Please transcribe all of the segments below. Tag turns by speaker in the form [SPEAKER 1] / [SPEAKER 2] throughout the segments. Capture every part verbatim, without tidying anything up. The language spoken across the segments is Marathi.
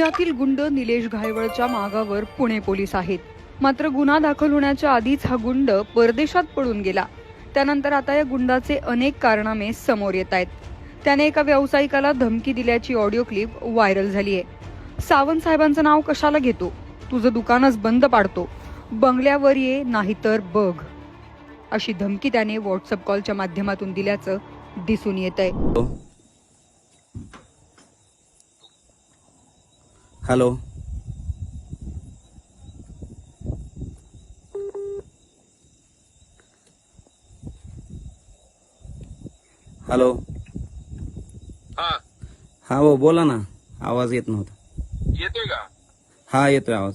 [SPEAKER 1] पुण्यातील गुंड निलेश घायवळच्या मागावर पुणे पोलीस आहेत. मात्र गुन्हा दाखल होण्याच्या आधीच हा गुंड परदेशात पळून गेला. त्यानंतर आता या गुंडाचे अनेक कारनामे समोर येत आहेत. त्याने एका व्यावसायिकाला धमकी दिल्याची ऑडिओ क्लिप व्हायरल झाली आहे. सावंत साहेबांचं नाव कशाला घेतो, तुझं दुकानच बंद पाडतो, बंगल्यावर ये नाहीतर बघ, अशी धमकी त्याने व्हॉट्सअप कॉलच्या माध्यमातून दिल्याचं दिसून येत आहे.
[SPEAKER 2] Hello, hello.
[SPEAKER 3] हा
[SPEAKER 2] हा हो, बोला ना. आवाज येत नव्हता.
[SPEAKER 3] येतोय का?
[SPEAKER 2] हा, येतोय आवाज.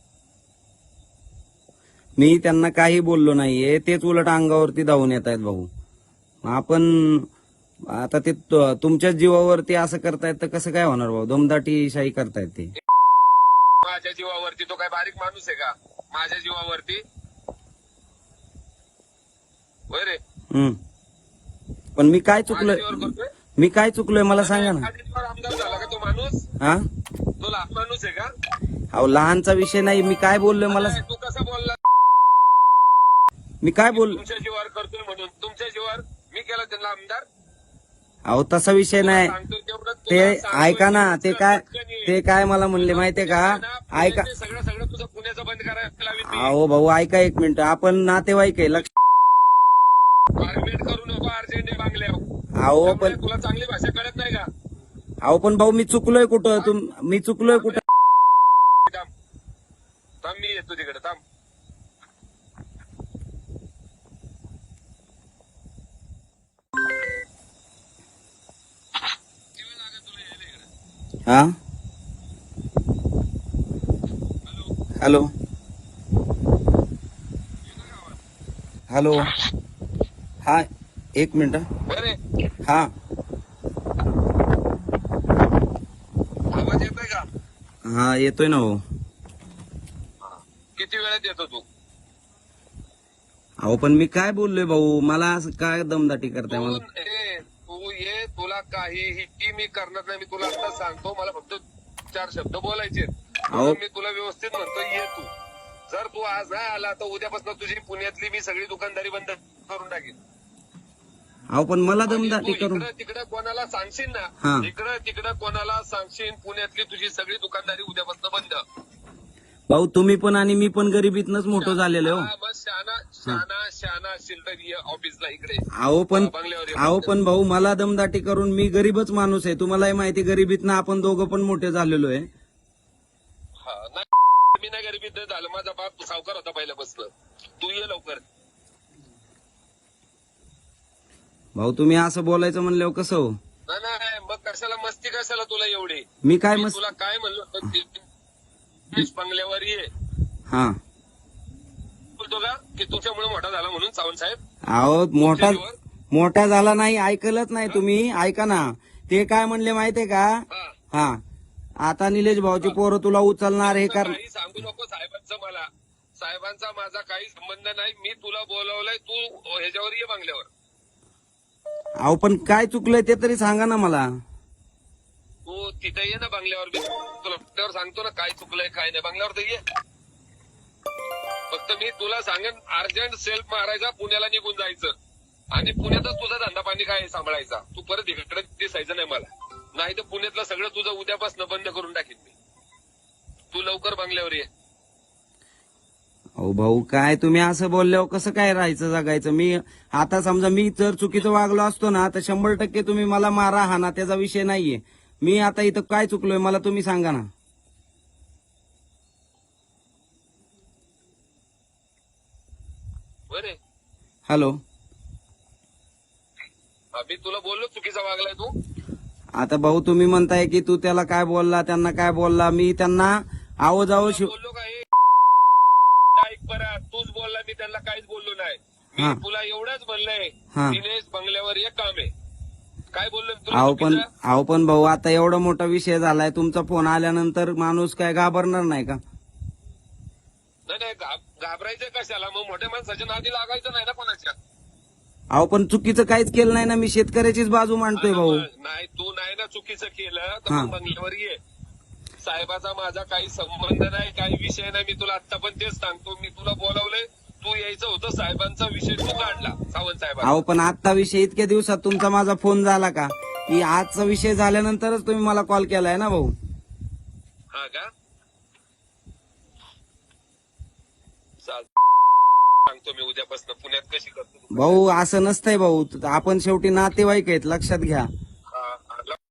[SPEAKER 2] मी त्यांना काही बोललो नाहीये, तेच उलट अंगावरती धावून येत आहेत भाऊ. आपण आता ते तु- तुमच्याच जीवावरती असं करतायत तर कसं काय होणार भाऊ? दमदाटी शाही करतायत ते.
[SPEAKER 3] माझ्या जीवावरती तो काय बारीक माणूस आहे का? माझ्या जीवावरती होय रे.
[SPEAKER 2] हम्म. पण मी काय
[SPEAKER 3] माझ्या
[SPEAKER 2] चुकलोय?
[SPEAKER 3] जीवावर करतोय.
[SPEAKER 2] मी काय चुकलोय मला सांगा ना.
[SPEAKER 3] माझ्या जीवावर आमदार झाला का तो माणूस?
[SPEAKER 2] हा,
[SPEAKER 3] तो लहान माणूस आहे का?
[SPEAKER 2] अहो लहानचा विषय नाही. मी काय बोललोय मला
[SPEAKER 3] नाही, तू कसा बोलला?
[SPEAKER 2] मी काय बोल
[SPEAKER 3] तुमच्या जीवावर करतोय म्हणून तुमच्या जीवावर मी केला त्यांना आमदार.
[SPEAKER 2] अहो तसा विषय नाही.
[SPEAKER 3] सांगतो तेवढं
[SPEAKER 2] ते
[SPEAKER 3] तुला सांगतोय.
[SPEAKER 2] ऐका ना, ते काय ते काय मला म्हणले माहितीये का? ऐका.
[SPEAKER 3] पुण्याचे सगळं सगळं तुझं पुण्याचं बंद करायला लावीन मी.
[SPEAKER 2] अहो भाऊ ऐका एक मिनिट. आपण नातेवाईक आहे. लक्ष.
[SPEAKER 3] आर्ग्युमेंट करू नको अर्जंट बांगल्यावर.
[SPEAKER 2] अहो
[SPEAKER 3] त्यामुळे
[SPEAKER 2] पण
[SPEAKER 3] तुला चांगली भाषा कळत नाही का?
[SPEAKER 2] अहो पण भाऊ मी चुकलोय कुठं? तुम मी चुकलोय कुठं?
[SPEAKER 3] थांब थांब, मी येतो तिकडे. थांब.
[SPEAKER 2] हा, हॅलो हॅलो. हा, एक मिनिट.
[SPEAKER 3] बरे
[SPEAKER 2] हा,
[SPEAKER 3] आवाज येतोय का?
[SPEAKER 2] हा येतोय ना भाऊ.
[SPEAKER 3] किती वेळात येतो तू?
[SPEAKER 2] अहो पण मी काय बोललोय भाऊ? मला असं काय दमदाटी करताय
[SPEAKER 3] तू
[SPEAKER 2] मला?
[SPEAKER 3] ए, तू ये, तुला काहीही मी करणार नाही. मी तुला आता सांगतो, मला फक्त चार शब्द बोलायचे.
[SPEAKER 2] अहो.
[SPEAKER 3] मी तुला व्यवस्थित म्हणतो, ये तू. जर तू आज नाही आला तर उद्यापासून तुझी पुण्यातली मी सगळी दुकानदारी बंद करून टाकेन.
[SPEAKER 2] अहो पण मला
[SPEAKER 3] आणि
[SPEAKER 2] दमदाटी
[SPEAKER 3] तू
[SPEAKER 2] करून
[SPEAKER 3] इकडं तिकडं कोणाला सांगशील
[SPEAKER 2] हा.
[SPEAKER 3] ना, इकडं तिकडं कोणाला सांगशील, पुण्यातली तुझी सगळी दुकानदारी उद्यापासून बंद.
[SPEAKER 2] भाऊ तुम्ही पण आणि मी पण गरिबीतनच मोठं झालेलो.
[SPEAKER 3] हा, बस शहाणा शहाणा शहाणा असेल तर ये ऑफिसला इकडे.
[SPEAKER 2] अहो पण
[SPEAKER 3] बंगल्यावर ये.
[SPEAKER 2] अहो पण भाऊ मला दमदाटी करून, मी गरीबच माणूस आहे. तुम्हालाही माहिती, गरिबीतनं आपण दोघं पण मोठे झालेलो आहे.
[SPEAKER 3] हा, नाही मी नाही गरिबीत झालं. माझा बाप सावकार होता पहिल्यापासून. तू ये लवकर.
[SPEAKER 2] भाऊ तुम्ही असं बोलायचं म्हणल्यावर कसं हो?
[SPEAKER 3] नाही नाही, मग कशाला मस्ती, कशाला तुला एवढी?
[SPEAKER 2] मी काय
[SPEAKER 3] मी
[SPEAKER 2] मस्त.
[SPEAKER 3] तुला काय म्हणलो होतो, ते बंगल्यावर ये.
[SPEAKER 2] हा,
[SPEAKER 3] बोलतो का की तुमच्यामुळे मोठा झाला म्हणून सावंत साहेब?
[SPEAKER 2] अहो मोठा
[SPEAKER 3] तुमच्या
[SPEAKER 2] मोठा झाला नाही, ऐकलंच नाही तुम्ही. ऐका ना, ते काय म्हणले माहितीये का?
[SPEAKER 3] हा.
[SPEAKER 2] हा, आता निलेश भाऊची पोरं तुला उचलणार हे कर.
[SPEAKER 3] काही सांगू नको साहेबांचं मला. साहेबांचा माझा काही संबंध नाही. मी तुला बोलवलंय, तू ह्याच्यावर ये बंगल्यावर.
[SPEAKER 2] अहो पण काय चुकलंय ते तरी सांगा ना मला.
[SPEAKER 3] तू तिथे ये ना बंगल्यावर. मी तुला बंगल्यावर सांगतो ना काय चुकलंय काय नाही. बंगल्यावर तर ये. फक्त मी तुला सांगेन, अर्जंट सेल्फ मारायचा, पुण्याला निघून जायचं आणि पुण्यातच तुझा धंदा पाणी काय सांभाळायचा. तू परत इकडे दिसायचं नाही मला. नाही तर पुण्यातलं सगळं तुझं उद्यापासून बंद करून टाकीन मी. तू लवकर बंगल्यावर ये.
[SPEAKER 2] अहो भाऊ काय तुम्ही असं बोलल्यावर कसं काय राहायचं जगायचं? मी आता समजा मी जर चुकीचं वागलो असतो ना तर शंभर टक्के तुम्ही मला मारा हाना, त्याचा विषय नाहीये. मी आता इथं काय चुकलोय मला तुम्ही सांगा ना.
[SPEAKER 3] बरे
[SPEAKER 2] हॅलो.
[SPEAKER 3] मी तुला बोललो चुकीचा वागलाय तू.
[SPEAKER 2] आता भाऊ तुम्ही म्हणताय की तू त्याला काय बोलला, त्यांना काय बोलला. मी त्यांना आहो जावं शिव.
[SPEAKER 3] बोललो का? ऐक बरं, तूच बोलला, मी त्यांना काहीच बोललो नाही.
[SPEAKER 2] हा.
[SPEAKER 3] मी तुला एवढंच म्हणलंय,
[SPEAKER 2] हा.
[SPEAKER 3] दिनेश बंगल्यावर एक काम आहे. काय बोललो मी तुला
[SPEAKER 2] अहो पण
[SPEAKER 3] चुकीचं?
[SPEAKER 2] अहो पण भाऊ आता एवढा मोठा विषय झालाय, तुमचा फोन आल्यानंतर माणूस काय घाबरणार नाही का?
[SPEAKER 3] नाही नाही, घाब- घाबरायचं कशाला? मग मोठ्या माणसाच्या नादी लागायचं नाही ना कोणाच्या.
[SPEAKER 2] अहो पण चुकीचं काहीच केलं नाही ना. मी शेतकऱ्याचीच बाजू मांडतोय भाऊ.
[SPEAKER 3] नाही, तू नाही ना चुकीचं केलं तर
[SPEAKER 2] हा.
[SPEAKER 3] मग बंगल्यावर ये. साहेबाचा माझा काही संबंध नाही, काही विषय नाही. मी तुला आता पण तेच सांगतो. मी तुला बोलावलंय, तू यायचं होतं. साहेबांचा विषय तू काढला, सावंत साहेबांचा.
[SPEAKER 2] अहो पण आजचा विषय इतक्या दिवसात तुमचा माझा फोन झाला का? की आजचा विषय झाल्यानंतरच तुम्ही मला कॉल केलाय ना भाऊ.
[SPEAKER 3] हा का? चाल, सांगतो मी उद्यापासून पुण्यात कशी करतो तू.
[SPEAKER 2] भाऊ असं नसतंय भाऊ, आपण शेवटी नातेवाईक आहेत, लक्षात घ्या.
[SPEAKER 3] हा, हा, ल-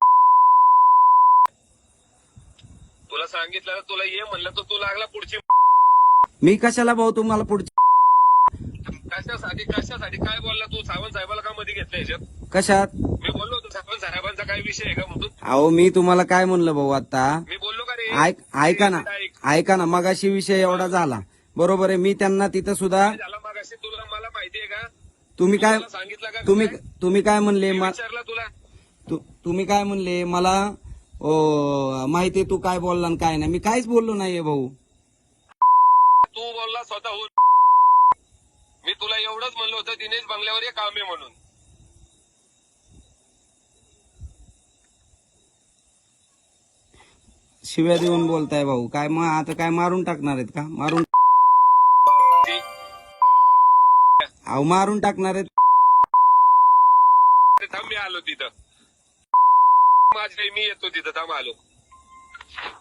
[SPEAKER 3] तुला सांगितलं ना, तुला ये म्हणलं तर तू लागला पुढची.
[SPEAKER 2] मी कशाला भाऊ तुम्हाला पुढच्या
[SPEAKER 3] कशासाठी कशासाठी काय बोलला तू? सावंत साहेबाला का मध्ये घेतलं याच्यात?
[SPEAKER 2] कशात?
[SPEAKER 3] मी बोललो होतो सावंत साहेबांचा काय विषय आहे का म्हणून.
[SPEAKER 2] अहो मी तुम्हाला काय म्हणलं भाऊ आता?
[SPEAKER 3] मी बोललो का रे?
[SPEAKER 2] ऐक ऐका ना
[SPEAKER 3] ऐक.
[SPEAKER 2] ऐका ना मगाशी विषय एवढा झाला, बरोबर आहे. मी त्यांना तिथं सुद्धा
[SPEAKER 3] काय झाला मगाशी तुला मला माहितीये का?
[SPEAKER 2] तुम्ही काय
[SPEAKER 3] मला सांगितलं का?
[SPEAKER 2] तुम्ही तुम्ही काय म्हणले
[SPEAKER 3] मी
[SPEAKER 2] मा-
[SPEAKER 3] विचारलं तुला.
[SPEAKER 2] तु- तुम्ही काय म्हणले मला? ओ माहितीये तू काय बोलला आणि काय नाही. मी काहीच बोललो नाहीये भाऊ.
[SPEAKER 3] तू बोलला स्वतःहून. मी तुला एवढंच म्हणलं होतं दिनेश बंगल्यावर ये काम आहे म्हणून.
[SPEAKER 2] शिव्या देऊन बोलताय भाऊ. काय मग आता काय मारून टाकणार आहेत का? मारून
[SPEAKER 3] ती-
[SPEAKER 2] अहो मारून टाकणार आहेत.
[SPEAKER 3] थांब, मी आलो तिथं. माझ्या मी येतो तिथं, थांब आलो.